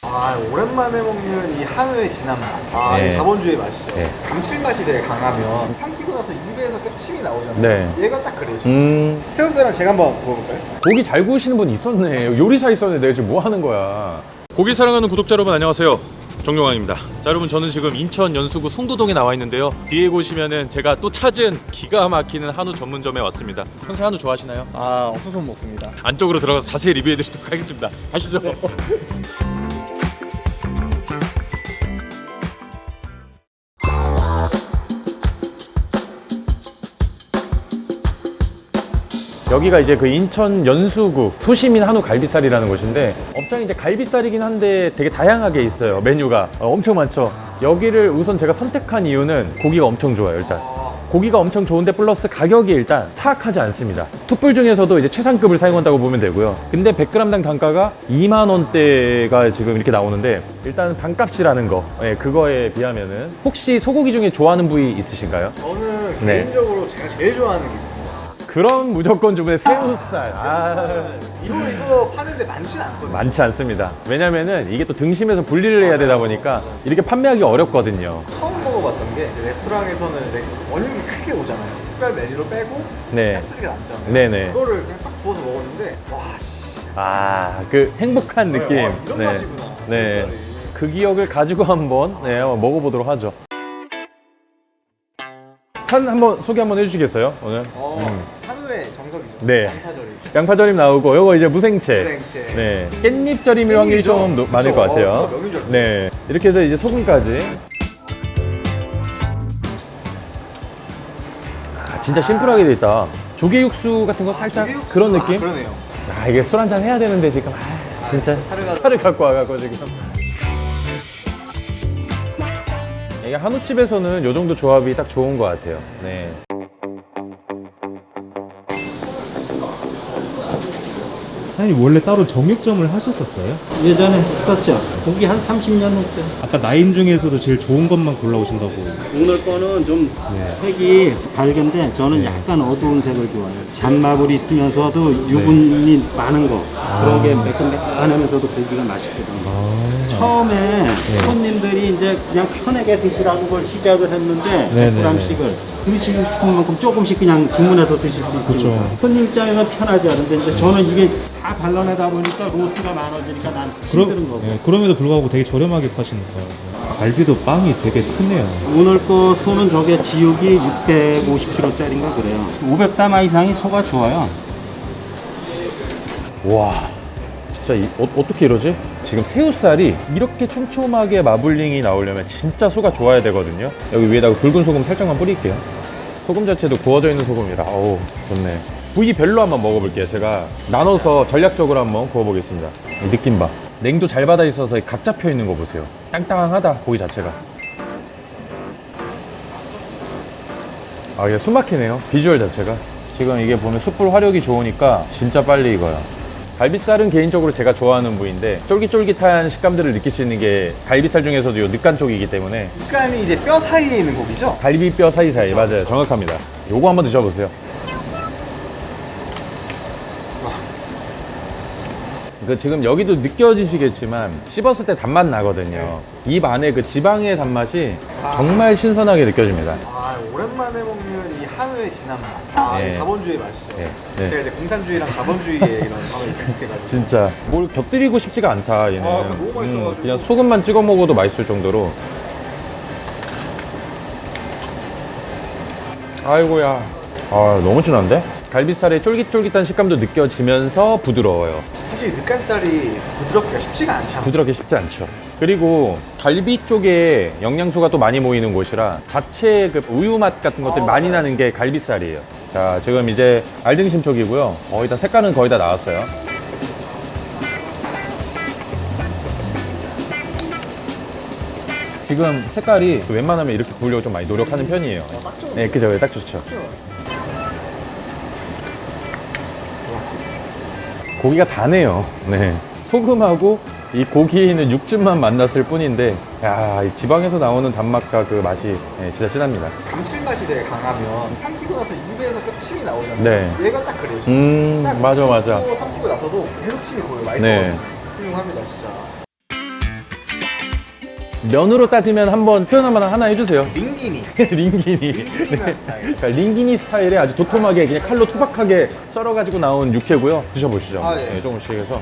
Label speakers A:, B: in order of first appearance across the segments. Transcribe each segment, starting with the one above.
A: 오랜만에 먹는 이 한우의 진한 맛.
B: 네.
A: 이 자본주의 맛이죠.
B: 네.
A: 감칠맛이 되게 강하면 삼키고 나서 입에서 계속 침이 나오잖아요.
B: 네.
A: 얘가 딱 그래요. 새우살랑 제가 한번 먹어볼까요?
B: 고기 잘 구우시는 분 있었네. 요리사 있었네. 내가 지금 뭐 하는 거야. 고기 사랑하는 구독자 여러분 안녕하세요. 정용왕입니다. 자, 여러분 저는 지금 인천 연수구 송도동에 나와 있는데요. 뒤에 보시면은 제가 또 찾은 기가 막히는 한우 전문점에 왔습니다. 평소에 한우 좋아하시나요?
A: 없어서 못 먹습니다.
B: 안쪽으로 들어가서 자세히 리뷰해드리도록 하겠습니다. 가시죠.
A: 네.
B: 여기가 이제 그 인천 연수구 소시민 한우 갈비살이라는 곳인데 업장이 이제 갈비살이긴 한데 되게 다양하게 있어요. 메뉴가 엄청 많죠. 여기를 우선 제가 선택한 이유는 고기가 엄청 좋아요. 일단 고기가 엄청 좋은데 플러스 가격이 일단 사악하지 않습니다. 툭불 중에서도 이제 최상급을 사용한다고 보면 되고요. 근데 100g당 단가가 2만 원대가 지금 이렇게 나오는데 일단 반값이라는 거, 그거에 비하면은 혹시 소고기 중에 좋아하는 부위 있으신가요?
A: 저는
B: 네.
A: 개인적으로 제가 제일 좋아하는 게 있습니다.
B: 그럼 무조건 주문에 새우살.
A: 이거 파는데 많지는 않거든요.
B: 많지 않습니다. 왜냐면은 이게 또 등심에서 분리를 해야 되다 보니까 이렇게 판매하기 어렵거든요.
A: 처음 먹어봤던 게 이제 레스토랑에서는 이제 원육이 크게 오잖아요. 특별 메뉴로 빼고
B: 네.
A: 짝수리가 남잖아요.
B: 네네.
A: 그거를 그냥 딱 구워서 먹었는데
B: 그 행복한 느낌.
A: 이런 맛이구나.
B: 네.
A: 새우살이.
B: 그 기억을 가지고 한번 먹어보도록 하죠. 한번 소개 한번 해주시겠어요, 오늘?
A: 한우의 정석이죠.
B: 네.
A: 양파절임.
B: 양파절임 나오고, 요거 이제 무생채.
A: 무생채.
B: 네. 깻잎절임일 확률이 좀 많을 것 같아요.
A: 명이죠.
B: 네. 이렇게 해서 이제 소금까지. 진짜 심플하게 돼 있다. 조개 육수 같은 거 살짝
A: 조개육수?
B: 그런 느낌?
A: 그러네요.
B: 이게 술 한잔 해야 되는데 지금 진짜 차를 갖고 와갖고 지금. 이게 한우집에서는 요 정도 조합이 딱 좋은 것 같아요. 네.
C: 사장님 원래 따로 정육점을 하셨었어요?
D: 예전에 했었죠. 고기 한 30년 했죠.
C: 아까 라인 중에서도 제일 좋은 것만 골라오신다고.
D: 오늘 거는 좀
C: 네.
D: 색이 밝은데 저는
C: 네.
D: 약간 어두운 색을 좋아해요. 잔마블이 있으면서도 유분이 많은 거. 그런 게 매끈매끈하면서도 고기가 맛있거든요. 처음에 손님들이 이제 그냥 편하게 드시라는 걸 시작을 했는데
C: 네네네.
D: 100g씩을 드시고 싶은 만큼 조금씩 그냥 주문해서 드실 수 있으니까
C: 그쵸.
D: 손님 입장에서 편하지 않은데 이제 저는 이게 다 발라내다 보니까 로스가 많아지니까 난 힘든 거고.
C: 그럼에도 불구하고 되게 저렴하게 파시는 거예요. 갈비도 빵이 되게 크네요.
D: 오늘 거 소는 저게 지육이 650kg짜리인가 그래요. 500담아 이상이 소가 좋아요.
B: 와, 진짜 어떻게 이러지? 지금 새우살이 이렇게 촘촘하게 마블링이 나오려면 진짜 소가 좋아야 되거든요. 여기 위에다가 굵은 소금 살짝만 뿌릴게요. 소금 자체도 구워져 있는 소금이라 어우 좋네. 부위별로 한번 먹어볼게요. 제가 나눠서 전략적으로 한번 구워보겠습니다. 이 느낌 봐. 냉도 잘 받아 있어서 각 잡혀 있는 거 보세요. 땅땅하다 고기 자체가. 이게 숨막히네요. 비주얼 자체가. 지금 이게 보면 숯불 화력이 좋으니까 진짜 빨리 익어요. 갈비살은 개인적으로 제가 좋아하는 부위인데 쫄깃쫄깃한 식감들을 느낄 수 있는 게 갈비살 중에서도 요 늦간 쪽이기 때문에
A: 식감이 이제 뼈 사이에 있는 고기죠?
B: 갈비뼈 사이사이. 맞아요, 정확합니다. 요거 한번 드셔보세요. 지금 여기도 느껴지시겠지만 씹었을 때 단맛 나거든요. 입 안에 그 지방의 단맛이 정말 신선하게 느껴집니다.
A: 오랜만에 먹는 이 한우의 진한 맛.
B: 네.
A: 이 자본주의 맛이죠.
B: 네.
A: 제가 이제 공산주의랑 자본주의에 이런 감을 익숙해가지고.
B: 진짜 뭘 곁들이고 싶지가 않다 얘는.
A: 너무 맛있어가지고.
B: 그냥 소금만 찍어 먹어도 맛있을 정도로. 아이고야. 너무 진한데? 갈비살의 쫄깃쫄깃한 식감도 느껴지면서 부드러워요.
A: 사실 늑간살이 부드럽기가 쉽지가 않잖아요.
B: 부드럽게 쉽지 않죠. 그리고 갈비 쪽에 영양소가 또 많이 모이는 곳이라 자체 그 우유 맛 같은 것들이 많이 나는 게 갈비살이에요. 자, 지금 이제 알등심 쪽이고요. 거의 다 색깔은 거의 다 나왔어요. 지금 색깔이 웬만하면 이렇게 구우려고 좀 많이 노력하는 편이에요. 네, 그죠. 딱 좋죠. 고기가 다네요. 네. 소금하고 이 고기는 육즙만 만났을 뿐인데, 야, 이 지방에서 나오는 단맛과 그 맛이 진짜 진합니다.
A: 감칠맛이 되게 강하면 삼키고 나서 입에서 계속 침이 나오잖아요.
B: 네.
A: 얘가 딱 그래요. 딱
B: 맞아.
A: 씹고 삼키고 나서도 계속 침이 고여요. 맛있어가지고.
B: 네.
A: 훌륭합니다, 진짜.
B: 면으로 따지면 한번 표현 하나 해주세요.
A: 링기니.
B: 링기니.
A: 링기니만 스타일.
B: 그러니까 링기니 스타일의 아주 도톰하게 그냥 칼로 투박하게 썰어가지고 나온 육회고요. 드셔보시죠.
A: 아, 예.
B: 네, 조금씩 해서.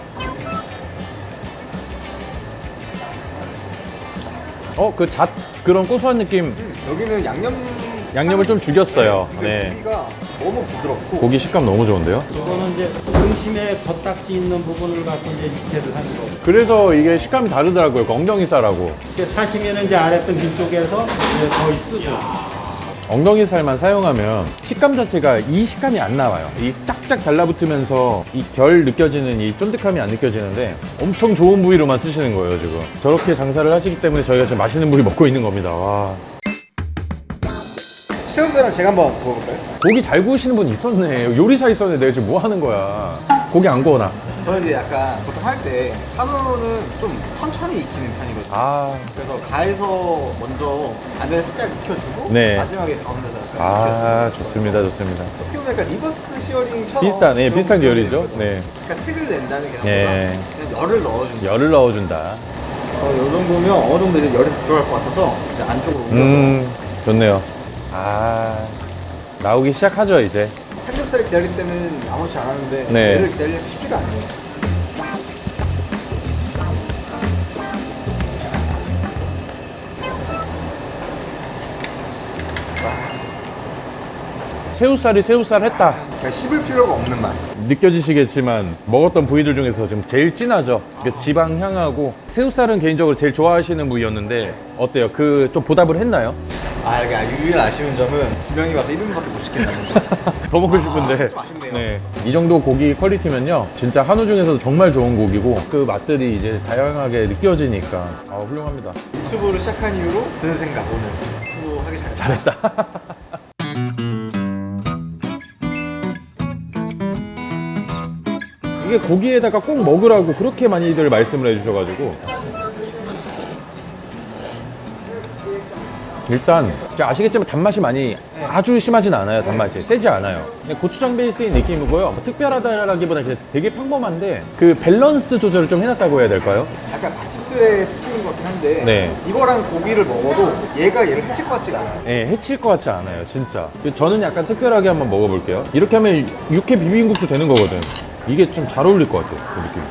B: 그런 고소한 느낌.
A: 여기는
B: 양념을 좀 죽였어요.
A: 근데
B: 네.
A: 고기가 너무 부드럽고
B: 고기 식감 너무 좋은데요?
D: 이거는 이제 등심의 겉딱지 있는 부분을 갖고 이제 육회를 하는 거고.
B: 그래서 이게 식감이 다르더라고요. 그 엉덩이살하고.
D: 이렇게 사시면은 이제 아래 등심 쪽에서 이제 거의 쓰고.
B: 엉덩이살만 사용하면 식감 자체가 이 식감이 안 나와요. 이 쫙쫙 달라붙으면서 이 결 느껴지는 이 쫀득함이 안 느껴지는데 엄청 좋은 부위로만 쓰시는 거예요, 지금. 저렇게 장사를 하시기 때문에 저희가 지금 맛있는 부위 먹고 있는 겁니다. 와.
A: 새우살은 제가 한번 먹어볼까요?
B: 고기 잘 구우시는 분 있었네. 요리사 있었네. 내가 지금 뭐 하는 거야. 고기 안 구워놔.
A: 저는 이제 약간 보통 할 때 한우는 좀 천천히 익히는 편이거든요.
B: 아.
A: 그래서 가에서 먼저 안에 살짝 익혀주고
B: 네.
A: 마지막에 가운데서 약간
B: 아,
A: 익혀주고.
B: 좋습니다. 좋습니다.
A: 어떻게 보면 약간 리버스 시어링처럼
B: 비슷한, 예,
A: 그런
B: 비슷한 계열이죠.
A: 거거든요.
B: 네.
A: 그러니까 색을 낸다는 게 아니라
B: 예.
A: 그냥 열을 넣어준다.
B: 열을 넣어준다.
A: 이 정도면 어느 정도 이제 열이 들어갈 것 같아서 이제 안쪽으로 옮겨서
B: 좋네요. 아, 나오기 시작하죠, 이제.
A: 삼겹살을 기다릴 때는 아무렇지 않았는데
B: 네.
A: 얘를 기다리려면 쉽지가 않네요.
B: 새우살이 새우살 했다.
A: 그러니까 씹을 필요가 없는 맛.
B: 느껴지시겠지만 먹었던 부위들 중에서 지금 제일 진하죠. 그 지방 향하고 새우살은 개인적으로 제일 좋아하시는 부위였는데 어때요? 그 좀 보답을 했나요?
A: 유일 아쉬운 점은 두 명이 와서 1인분밖에 못 시켰다는 거.
B: 더 먹고 싶은데.
A: 좀 아쉽네요.
B: 네. 이 정도 고기 퀄리티면요. 진짜 한우 중에서도 정말 좋은 고기고 그 맛들이 이제 다양하게 느껴지니까 훌륭합니다.
A: 유튜브를 시작한 이후로 드는 생각 오늘 유튜브 하기 잘했다.
B: 잘했다. 이게 고기에다가 꼭 먹으라고 그렇게 많이들 말씀을 해주셔가지고 일단 아시겠지만 단맛이 많이 아주 심하진 않아요. 단맛이 세지 않아요. 그냥 고추장 베이스인 느낌이고요. 뭐 특별하다라기보다 그냥 되게 평범한데 그 밸런스 조절을 좀 해놨다고 해야 될까요?
A: 약간 맛집들의 특징인 것 같긴 한데
B: 네.
A: 이거랑 고기를 먹어도 얘가 얘를 해칠 것 같지가 않아요.
B: 네, 해칠 것 같지 않아요. 진짜. 저는 약간 특별하게 한번 먹어볼게요. 이렇게 하면 육회 비빔국수 되는 거거든. 이게 좀 잘 어울릴 것 같아요. 그 느낌.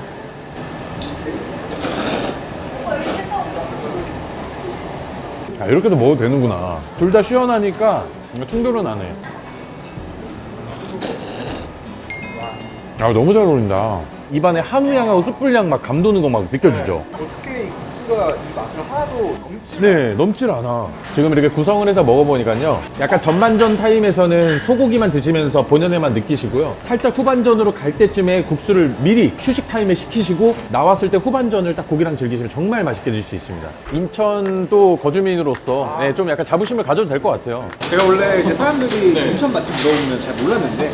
B: 아, 이렇게도 먹어도 되는구나. 둘 다 시원하니까 충돌은 안 해. 아, 너무 잘 어울린다. 입안에 한우향하고 숯불향 막 감도는 거 막 느껴지죠?
A: 어떻게 이 국수가 이 맛을 하나도 넘치
B: 네, 넘질 않아. 지금 이렇게 구성을 해서 먹어보니까요. 약간 전반전 타임에서는 소고기만 드시면서 본연의 맛 느끼시고요. 살짝 후반전으로 갈 때쯤에 국수를 미리 휴식 타임에 식히시고 나왔을 때 후반전을 딱 고기랑 즐기시면 정말 맛있게 드실 수 있습니다. 인천 또 거주민으로서 네, 좀 약간 자부심을 가져도 될 것 같아요.
A: 제가 원래 이제 사람들이 인천 맛집 물어보면 잘 몰랐는데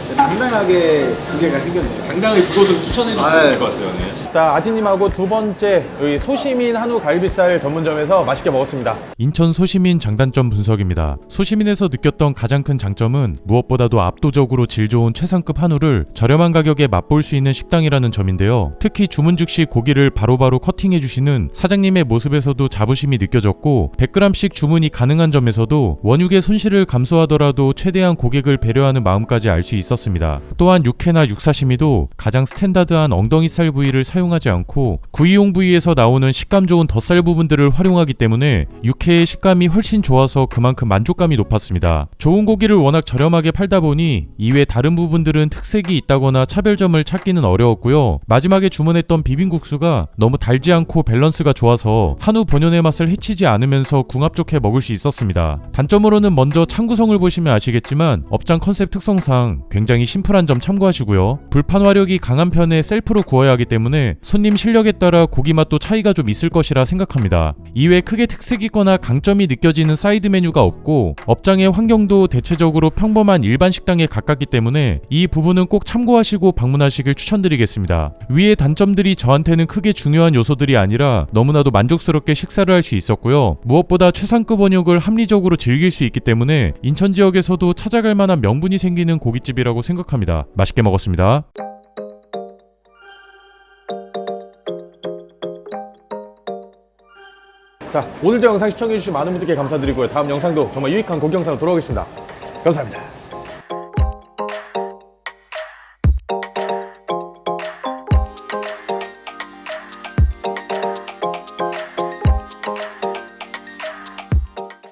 A: 당당하게 두 개가 생겼네요.
B: 당당히 그곳을 추천해
A: 줄 수 있을 것
B: 같아요. 자, 아지님하고 두 번째 여기 소시민 한우 갈비살 전문점에서 맛있게 먹었습니다.
C: 인천 소시민 장단점 분석입니다. 소시민에서 느꼈던 가장 큰 장점은 무엇보다도 압도적으로 질 좋은 최상급 한우를 저렴한 가격에 맛볼 수 있는 식당이라는 점인데요. 특히 주문 즉시 고기를 바로바로 커팅해 주시는 사장님의 모습에서도 자부심이 느껴졌고 100g씩 주문이 가능한 점에서도 원육의 손실을 감수하더라도 최대한 고객을 배려하는 마음까지 알 수 있었습니다. 또한 육회나 육사시미도 가장 스탠다드한 엉덩이살 부위를 사용하지 않고 구이용 부위에서 나오는 식감 좋은 덧살 부분들을 활용하기 때문에 육회의 식감이 훨씬 좋아서 그만큼 만족감이 높았습니다. 좋은 고기를 워낙 저렴하게 팔다 보니 이외 다른 부분들은 특색이 있다거나 차별점을 찾기는 어려웠고요. 마지막에 주문했던 비빔국수가 너무 달지 않고 밸런스가 좋아서 한우 본연의 맛을 해치지 않으면서 궁합 좋게 먹을 수 있었습니다. 단점으로는 먼저 창 구성을 보시면 아시겠지만 업장 컨셉 특성상 굉장히 심플한 점 참고하시고요. 불판 화력이 강한 편에 셀프로 구워야 하기 때문에 손님 실력에 따라 고기 맛도 차이가 좀 있을 것이라 생각합니다. 이외 크게 특색 있거나 강점이 느껴지는 사이드 메뉴가 없고 업장의 환경도 대체적으로 평범한 일반 식당에 가깝기 때문에 이 부분은 꼭 참고하시고 방문하시길 추천드리겠습니다. 위의 단점들이 저한테는 크게 중요한 요소들이 아니라 너무나도 만족스럽게 식사를 할 수 있었고요. 무엇보다 최상급 원육을 합리적으로 즐길 수 있기 때문에 인천 지역에서도 찾아갈 만한 명분이 생기는 고깃집이라고 생각합니다. 맛있게 먹었습니다.
B: 자, 오늘도 영상 시청해주신 많은 분들께 감사드리고요. 다음 영상도 정말 유익한 고기 영상으로 돌아오겠습니다. 감사합니다.